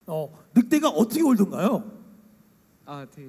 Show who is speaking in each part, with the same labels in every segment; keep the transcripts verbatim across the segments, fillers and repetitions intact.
Speaker 1: 어, 늑대가 어떻게 울던가요?
Speaker 2: 아, 되게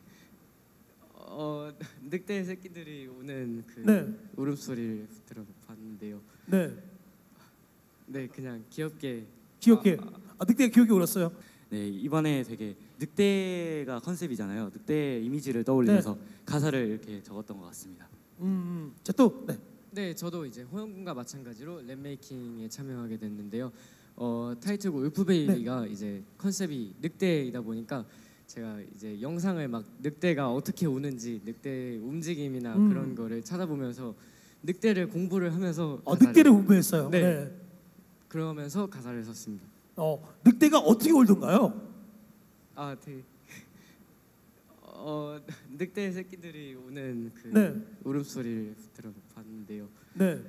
Speaker 2: 어 늑대 새끼들이 우는 그
Speaker 1: 네.
Speaker 2: 울음소리를 들어봤는데요.
Speaker 1: 네,
Speaker 2: 네, 그냥 귀엽게
Speaker 1: 귀엽게.
Speaker 2: 아,
Speaker 1: 아, 늑대가 귀엽게 울었어요.
Speaker 3: 네, 이번에 되게 늑대가 컨셉이잖아요. 늑대 이미지를 떠올리면서
Speaker 1: 네.
Speaker 3: 가사를 이렇게 적었던 것 같습니다.
Speaker 1: 음, 자 또, 네,
Speaker 2: 네, 저도 이제 호영 군과 마찬가지로 랩 메이킹에 참여하게 됐는데요. 어, 타이틀곡 울프베이비가
Speaker 1: 네.
Speaker 2: 이제 컨셉이 늑대이다 보니까 제가 이제 영상을 막 늑대가 어떻게 우는지 늑대 움직임이나
Speaker 1: 음.
Speaker 2: 그런 거를 찾아보면서 늑대를 공부를 하면서
Speaker 1: 어,
Speaker 2: 가사를-
Speaker 1: 늑대를 공부했어요.
Speaker 2: 네.
Speaker 1: 네.
Speaker 2: 그러면서 가사를 썼습니다.
Speaker 1: 어, 늑대가 어떻게 울던가요?
Speaker 2: 아, 되게 어 늑대 새끼들이 우는 그
Speaker 1: 네.
Speaker 2: 울음소리를 들어봤는데요.
Speaker 1: 네,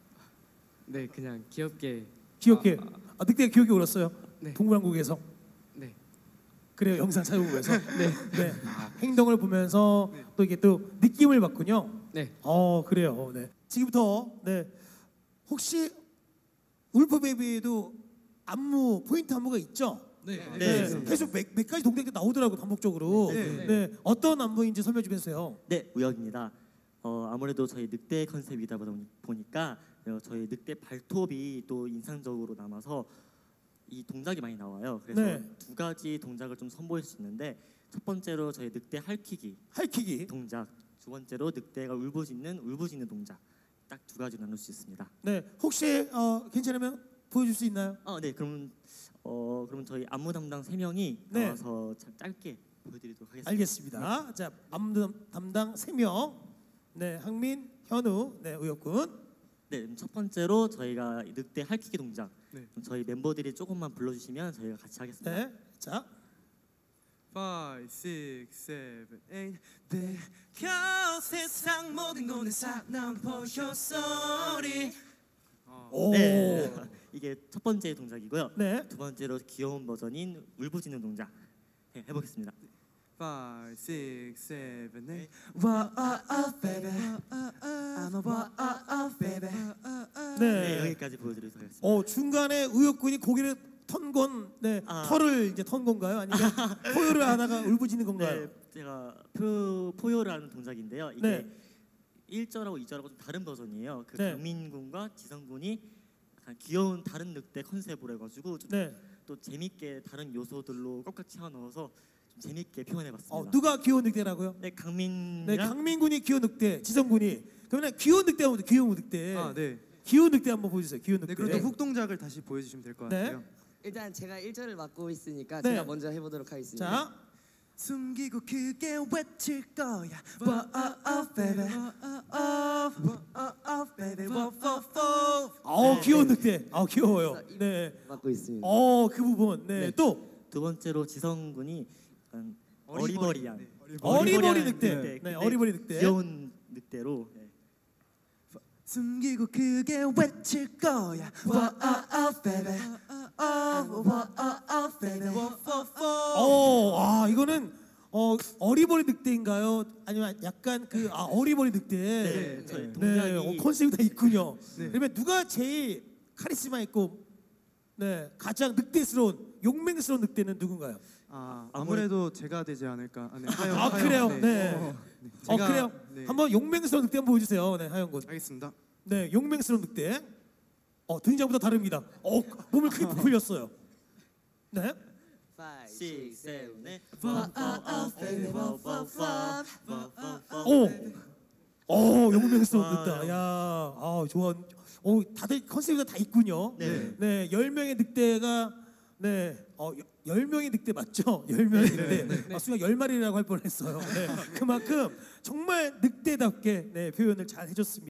Speaker 2: 네, 그냥 귀엽게
Speaker 1: 귀엽게.
Speaker 2: 아,
Speaker 1: 아, 늑대가 귀엽게 울었어요.
Speaker 2: 네.
Speaker 1: 동물왕국에서.
Speaker 2: 네.
Speaker 1: 그래요, 영상 찾아보면서.
Speaker 2: 네.
Speaker 1: 네. 행동을 보면서
Speaker 2: 네.
Speaker 1: 또 이게 또 느낌을 받군요.
Speaker 2: 네.
Speaker 1: 어, 그래요. 네. 지금부터 네. 혹시 울프 베이비에도 안무 포인트 안무가 있죠?
Speaker 4: 네.
Speaker 1: 네. 계속 몇, 몇 가지 동작이 나오더라고 반복적으로.
Speaker 4: 네.
Speaker 1: 네. 어떤 안무인지 설명 좀 해주세요.
Speaker 5: 네, 우혁입니다. 어, 아무래도 저희 늑대 컨셉이다 보니- 보니까 어, 저희 늑대 발톱이 또 인상적으로 남아서 이 동작이 많이 나와요. 그래서
Speaker 1: 네.
Speaker 5: 두 가지 동작을 좀 선보일 수 있는데 첫 번째로 저희 늑대 할퀴기
Speaker 1: 할퀴기.
Speaker 5: 동작, 두 번째로 늑대가 울부짖는 울부짖는 동작 딱 두 가지로 나눌 수 있습니다.
Speaker 1: 네. 혹시 어, 괜찮으면 보여줄 수 있나요?
Speaker 5: 어, 네, 그럼 어, 그럼 저희 안무 담당 세 명이
Speaker 1: 네.
Speaker 5: 나와서 참 짧게 보여드리도록 하겠습니다.
Speaker 1: 알겠습니다. 자, 안무 담당 세 명. 네, 항민, 현우, 네, 우혁군.
Speaker 5: 네, 그럼 첫 번째로 저희가 이 늑대 할퀴기 동작
Speaker 4: 네.
Speaker 5: 그럼 저희 멤버들이 조금만 불러주시면 저희가 같이 하겠습니다.
Speaker 1: 네. 자,
Speaker 4: five, six, seven, eight. 내겨 세상 모든 곳에 사난 보여 소리.
Speaker 1: 오.
Speaker 5: 네, 이게 첫 번째 동작이고요.
Speaker 1: 네.
Speaker 5: 두 번째로 귀여운 버전인 울부짖는 동작 네, 해보겠습니다.
Speaker 4: five, six, seven, eight. Whoa, oh, oh, baby. I'm a whoa, oh, oh, baby.
Speaker 5: 네,
Speaker 1: 네.
Speaker 5: 여기까지 보여드리도록 하겠습니다.
Speaker 1: 어, 중간에 우혁군이 고개를 턴 건, 네,
Speaker 5: 아.
Speaker 1: 털을 이제 턴 건가요? 아니면 포효를 하다가 울부짖는 건가요?
Speaker 5: 네, 제가 포, 포효를 하는 동작인데요. 이게
Speaker 1: 네.
Speaker 5: 일 절하고 이 절하고 좀 다른 버전이에요. 그
Speaker 1: 네.
Speaker 5: 강민 군과 지성 군이 약간 귀여운 다른 늑대 컨셉으로 해가지고 좀
Speaker 1: 네.
Speaker 5: 또 재밌게 다른 요소들로 꽉꽉 채워 넣어서 좀 재밌게 표현해봤습니다.
Speaker 1: 어, 누가 귀여운 늑대라고요?
Speaker 5: 네, 강민이랑
Speaker 1: 네, 강민군이 귀여운 늑대, 지성군이. 그러면 귀여운 늑대 한번 귀여운 늑대.
Speaker 4: 아, 네.
Speaker 1: 귀여운 늑대 한번 보여주세요. 귀여운 늑대.
Speaker 4: 네, 그럼 또 훅 동작을 다시 보여주시면 될 것
Speaker 1: 네.
Speaker 4: 같아요.
Speaker 6: 일단 제가 일 절을 맡고 있으니까
Speaker 1: 네.
Speaker 6: 제가 먼저 해보도록 하겠습니다.
Speaker 1: 자,
Speaker 4: 숨기고 크게 외칠 거야. Whoa, oh, oh, baby. Oh, whoa, oh, oh, baby. Whoa, whoa, whoa.
Speaker 1: 어, 귀여운 늑대. 아, 귀여워요.
Speaker 6: 그래서 이-
Speaker 1: 네.
Speaker 6: 맡고 있습니다.
Speaker 1: 어, 그 부분. 네,
Speaker 6: 네.
Speaker 1: 또
Speaker 5: 두 번째로 지성 군이 약간
Speaker 4: 어리버리.
Speaker 5: 어리버리한
Speaker 4: 네,
Speaker 1: 어리버리
Speaker 5: 어리버리한
Speaker 1: 늑대.
Speaker 5: 늑대.
Speaker 1: 네,
Speaker 5: 근데
Speaker 1: 어리버리 늑대.
Speaker 5: 귀여운 늑대로 네.
Speaker 4: 숨기고 크게 외칠 거야. Whoa, oh, oh, baby. Oh, whoa, oh, oh, baby. Whoa, whoa, whoa.
Speaker 1: 어, 아, 이거는 어, 어리버리 늑대인가요? 아니면 약간 그 아, 어리버리 늑대.
Speaker 5: 네, 저희
Speaker 1: 네,
Speaker 5: 동작이
Speaker 1: 어, 컨셉이 다 있군요.
Speaker 4: 네.
Speaker 1: 그러면 누가 제일 카리스마 있고 네, 가장 늑대스러운 용맹스러운 늑대는 누군가요?
Speaker 4: 아, 아무래도 제가 되지 않을까. 아, 네, 하영,
Speaker 1: 아,
Speaker 4: 하영.
Speaker 1: 그래요?
Speaker 4: 네.
Speaker 1: 네.
Speaker 4: 어, 네.
Speaker 1: 어,
Speaker 4: 제가-
Speaker 1: 그래요?
Speaker 4: 네.
Speaker 1: 한번 용맹스러운 늑대 한번 보여주세요. 네, 하영군.
Speaker 4: 알겠습니다.
Speaker 1: 네, 용맹스러운 늑대. 어, 등장부터 다릅니다. 어, 몸을 크게 부풀렸어요. 네.
Speaker 6: five,
Speaker 5: six,
Speaker 6: six, seven,
Speaker 5: seven,
Speaker 6: eight.
Speaker 5: eight. Whoa, oh, oh, baby. Whoa, whoa, whoa. Whoa, whoa, whoa.
Speaker 1: 오, 오, 용맹스러운
Speaker 5: 와,
Speaker 1: 늑대. 야, 아, 좋아. 오, 다들 컨셉이 다 있군요.
Speaker 5: 네.
Speaker 1: 네, 열 명의 늑대가 네, 어, 여- 열 명의 늑대 맞죠? 열 명의 늑대. 아, 순간 열 마리라고 할 뻔했어요. 네, 그만큼 정말 늑대답게 네, 표현을 잘 해줬습니다.